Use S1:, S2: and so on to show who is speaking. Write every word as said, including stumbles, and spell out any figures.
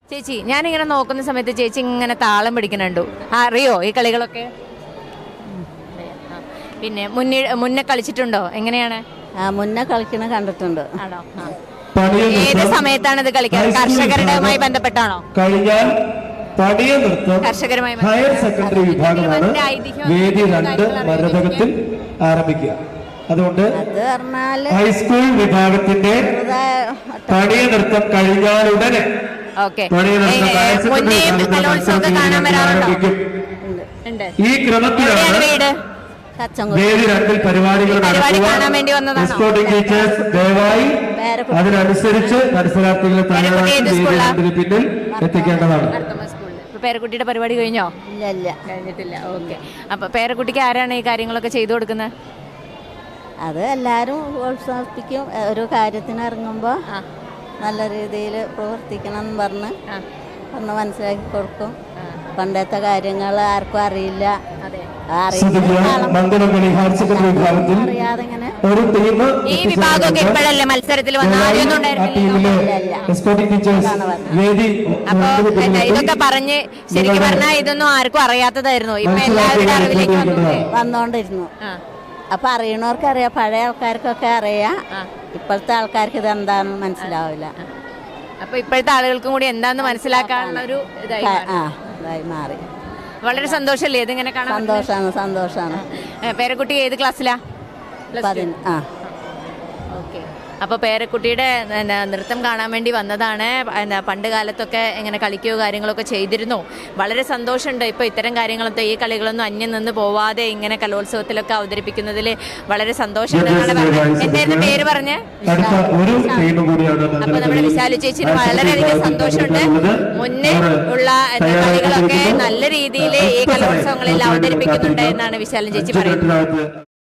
S1: ചേച്ചി ഞാനിങ്ങനെ നോക്കുന്ന സമയത്ത് ചേച്ചി ഇങ്ങനെ താളം പിടിക്കുന്നുണ്ടു. അറിയോ ഈ കളികളൊക്കെ? പിന്നെ മുന്നേ മുന്നേ കളിച്ചിട്ടുണ്ടോ? എങ്ങനെയാണ്?
S2: മുന്നേ കളിക്കണ കണ്ടിട്ടുണ്ട്.
S1: ആണോ? ഏത് സമയത്താണ് ഇത് കളിക്കാറ്? കർഷകരുമായി ബന്ധപ്പെട്ടാണോ?
S3: കഴിഞ്ഞാൽ പടിയ നൃത്തം
S1: കർഷകരുമായി
S3: ഹയർ സെക്കൻഡറി വിഭാഗമാണ് വേദി രണ്ട് മരതകത്തിൽ ആരംഭിക്കുക. അതുകൊണ്ട് ഹൈസ്കൂൾ വിഭാഗത്തിന്റെ പടിയ നൃത്തം കഴിഞ്ഞാൽ ഉടനെ ഈ ക്രമത്തിലാണ് വേദി രണ്ടിൽ പരിപാടികൾ നടക്കുക. സ്പോർട്ടിംഗ് ടീച്ചേഴ്സ് ദയവായി അതിനനുസരിച്ച് മത്സരാർത്ഥികളെ തയ്യാറാക്കി പിന്നിൽ എത്തിക്കേണ്ടതാണ്.
S1: പേരക്കുട്ടിയുടെ പരിപാടി കഴിഞ്ഞോ?
S2: ഇല്ല,
S1: കഴിഞ്ഞിട്ടില്ല. ഓക്കെ. അപ്പൊ പേരക്കുട്ടിക്ക് ആരാണ് ഈ കാര്യങ്ങളൊക്കെ ചെയ്തു കൊടുക്കുന്നത്?
S2: അത് എല്ലാരും പ്രോത്സാഹിപ്പിക്കും. ഒരു കാര്യത്തിന് ഇറങ്ങുമ്പോ നല്ല രീതിയിൽ പ്രവർത്തിക്കണം എന്ന് പറഞ്ഞ് ഒന്ന് മനസ്സിലാക്കി കൊടുക്കും. പണ്ടത്തെ കാര്യങ്ങൾ ആർക്കും അറിയില്ല.
S1: ഈ വിഭാഗമൊക്കെ ഇപ്പോഴല്ലേ മത്സരത്തിൽ വന്ന അപ്പൊ ഇതൊക്കെ പറഞ്ഞ് ശരിക്കും പറഞ്ഞാൽ ഇതൊന്നും ആർക്കും അറിയാത്തതായിരുന്നു. ഇപ്പൊ എല്ലാവരുടെ അറിവിലേക്ക്
S2: വന്നോണ്ടിരുന്നു. അപ്പൊ അറിയണവർക്ക് അറിയാം, പഴയ ആൾക്കാർക്കൊക്കെ അറിയാം. ഇപ്പോഴത്തെ ആൾക്കാർക്ക് ഇത് എന്താണെന്ന് മനസ്സിലാവില്ല.
S1: അപ്പൊ ഇപ്പോഴത്തെ ആളുകൾക്കും കൂടി എന്താന്ന് മനസ്സിലാക്കാനുള്ള ഒരു
S2: ഇതായി മാറി.
S1: വളരെ സന്തോഷല്ലേ ഇതിങ്ങനെ കാണാൻ?
S2: സന്തോഷാണ്, സന്തോഷാണ്.
S1: പേരക്കുട്ടി ഏത് ക്ലാസ്സിലാ?
S2: ആ.
S1: ഓക്കെ. അപ്പോൾ പേരക്കുട്ടിയുടെ നൃത്തം കാണാൻ വേണ്ടി വന്നതാണ്. എന്താ പണ്ട് കാലത്തൊക്കെ ഇങ്ങനെ കളിക്കുകയോ കാര്യങ്ങളൊക്കെ ചെയ്തിരുന്നു. വളരെ സന്തോഷമുണ്ട് ഇപ്പോൾ ഇത്തരം കാര്യങ്ങളൊക്കെ, ഈ കളികളൊന്നും അന്യം നിന്ന് പോവാതെ ഇങ്ങനെ കലോത്സവത്തിലൊക്കെ അവതരിപ്പിക്കുന്നതിൽ വളരെ സന്തോഷമുണ്ട്. എന്തായിരുന്നു പേര് പറഞ്ഞ്? അപ്പോൾ നമ്മുടെ വിശാലു ചേച്ചിന് വളരെയധികം സന്തോഷമുണ്ട്. മുന്നേ ഉള്ള കളികളൊക്കെ നല്ല രീതിയിൽ ഈ കലോത്സവങ്ങളിൽ അവതരിപ്പിക്കുന്നുണ്ട് എന്നാണ് വിശാലു ചേച്ചി പറയുന്നത്.